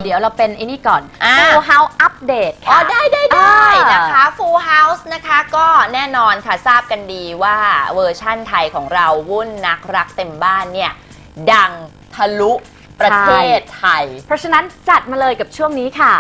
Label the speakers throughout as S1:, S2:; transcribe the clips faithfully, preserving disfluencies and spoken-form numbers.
S1: ดี๋ยวเราเป็นไอ้นี่ก่อน
S2: อ่า
S1: Full House Update
S2: อ๋อ
S1: ค่ะ
S2: ได้ได้ได้นะคะ Full House นะคะก็แน่นอนค่ะทราบกันดีว่าเวอร์ชั่นไทยของเราวุ่นนักรักเต็มบ้านเนี่ยดังทะลุประเทศไทย
S1: เพราะฉะนั้นจัดมาเลยกับช่วงนี้ค่ะ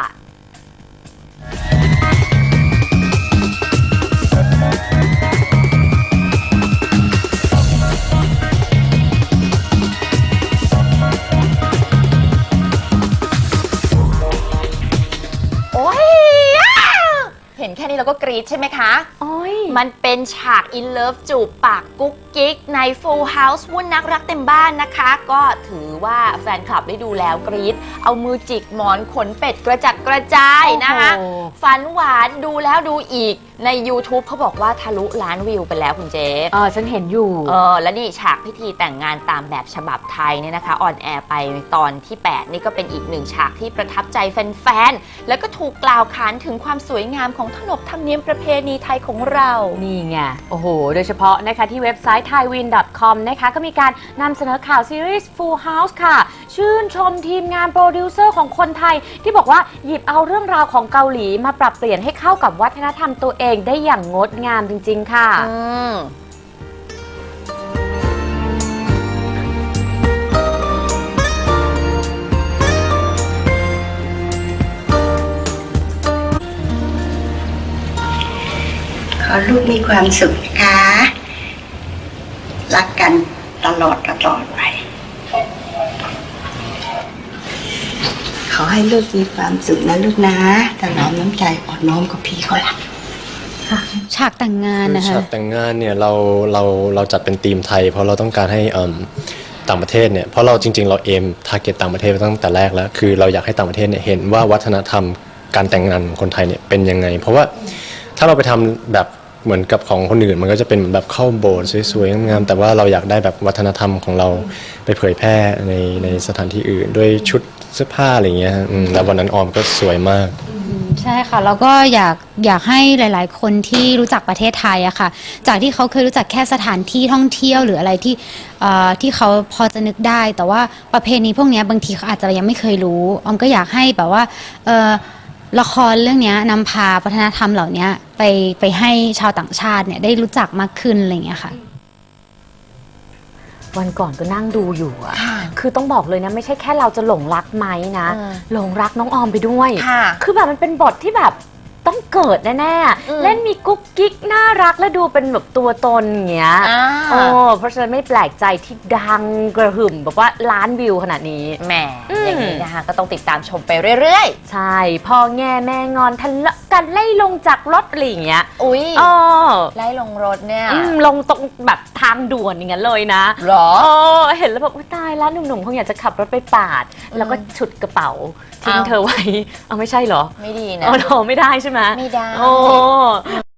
S2: เห็นแค่นี้เราก็กรี๊ดใช่ไหมคะ
S1: โอ้ย
S2: มันเป็นฉากอินเลิฟจูบปากกุ๊กกิ๊กใน Full House วุ่นนักรักเต็มบ้านนะคะ ก็ถือว่าแฟนคลับได้ดูแล้วกรี๊ดเอามือจิกหมอนขนเป็ดกระจัดกระจายนะคะฝันหวานดูแล้วดูอีกใน YouTube เขาบอกว่าทะลุล้านวิวไปแล้วคุณเจ๊
S1: เออฉันเห็นอยู่
S2: เออแล้วนี่ฉากพิธีแต่งงานตามแบบฉบับไทยเนี่ยนะคะออนแอร์ไปตอนที่แปดนี่ก็เป็นอีกหนึ่งฉากที่ประทับใจแฟนๆแล้วก็ถูกกล่าวขานถึงความสวยงามของขนบธรรมเนียมประเพณีไทยของเรา
S1: นี่ไงโอ้โหโดยเฉพาะนะคะที่เว็บไซต์ ไทยวิน ดอท คอม นะคะก็มีการนำเสนอข่าวซีรีส์ Full House ค่ะชื่นชมทีมงานโปรดิวเซอร์ของคนไทยที่บอกว่าหยิบเอาเรื่องราวของเกาหลีมาปรับเปลี่ยนให้เข้ากับวัฒนธรรมตัวเองได้อย่างงดงามจริงๆค่ะ
S2: อืม
S3: ขอลูกมีความสุขนะคะ รักกันตลอดตลอดไป ขอให้ลูกมีความสุขนะลูกนะถนอมน้ำใจอ่อนน้อมกับพี่เขาละ
S4: ฉากแต่งงานนะคะ
S5: ฉากแต่งงานเนี่ยเราเราเราจัดเป็นธีมไทยเพราะเราต้องการให้ต่างประเทศเนี่ยเพราะเราจริงๆเราเอมทาร์เก็ตต่างประเทศตั้งแต่แรกแล้วคือเราอยากให้ต่างประเทศเนี่ยเห็นว่าวัฒนธรรมการแต่งงานของคนไทยเนี่ยเป็นยังไงเพราะว่าถ้าเราไปทำแบบเหมือนกับของคนอื่นมันก็จะเป็นแบบเข้าโบสถ์สวยๆงามๆแต่ว่าเราอยากได้แบบวัฒนธรรมของเราไปเผยแพร่ในในสถานที่อื่นด้วยชุดเสื้อผ้าอะไรเงี้ยแล้ววันนั้นออมก็สวยมาก
S4: ใช่ค่ะแล้วก็อยากอยากให้หลายๆคนที่รู้จักประเทศไทยอะค่ะจากที่เขาเคยรู้จักแค่สถานที่ท่องเที่ยวหรืออะไรที่ที่เขาพอจะนึกได้แต่ว่าประเพณีพวกนี้บางทีเขาอาจจะยังไม่เคยรู้ออมก็อยากให้แบบว่าละครเรื่องนี้นำพาวัฒนธรรมเหล่านี้ไปไปให้ชาวต่างชาติเนี่ยได้รู้จักมากขึ้นอะไรอย่างเงี้ยค่ะ
S1: วันก่อนก็นั่งดูอยู่อะคือต้องบอกเลยนะไม่ใช่แค่เราจะหลงรักไหมนะหลงรักน้องออมไปด้วยคือแบบมันเป็นบทที่แบบต้องเกิดแน่ๆเล่นมีกุ๊กกิ๊กน่ารักและดูเป็นแบบตัวตนอย่างเงี้ยโอ้เพราะฉะนั้นไม่แปลกใจที่ดังกระหึ่มแบบว่าล้านวิวขนาดนี้
S2: แหมอย่างนี้นะคะก็ต้องติดตามชมไปเรื่อย
S1: ๆใช่พ่อแง่แม่งอนทะเลาะกันไล่ลงจากรถอะไรอย่างเงี้ย
S2: อุ้ย
S1: อ๋อ
S2: ไล่ลงรถเนี่ย
S1: ลงตรงแบบทางด่วนอย่างเงี้ยเลยนะ
S2: หรอ
S1: อ๋อเห็นแล้วแบบตายแล้วหนุ่มๆคงอยากจะขับรถไปปาดแล้วก็ฉุดกระเป๋าทิ้งเธอไว้เอาไม่ใช่เหรอ
S2: ไม่ดีนะ
S1: อ๋อไม่ได้ใช่ไหม
S2: ไม่ได้
S1: โอ้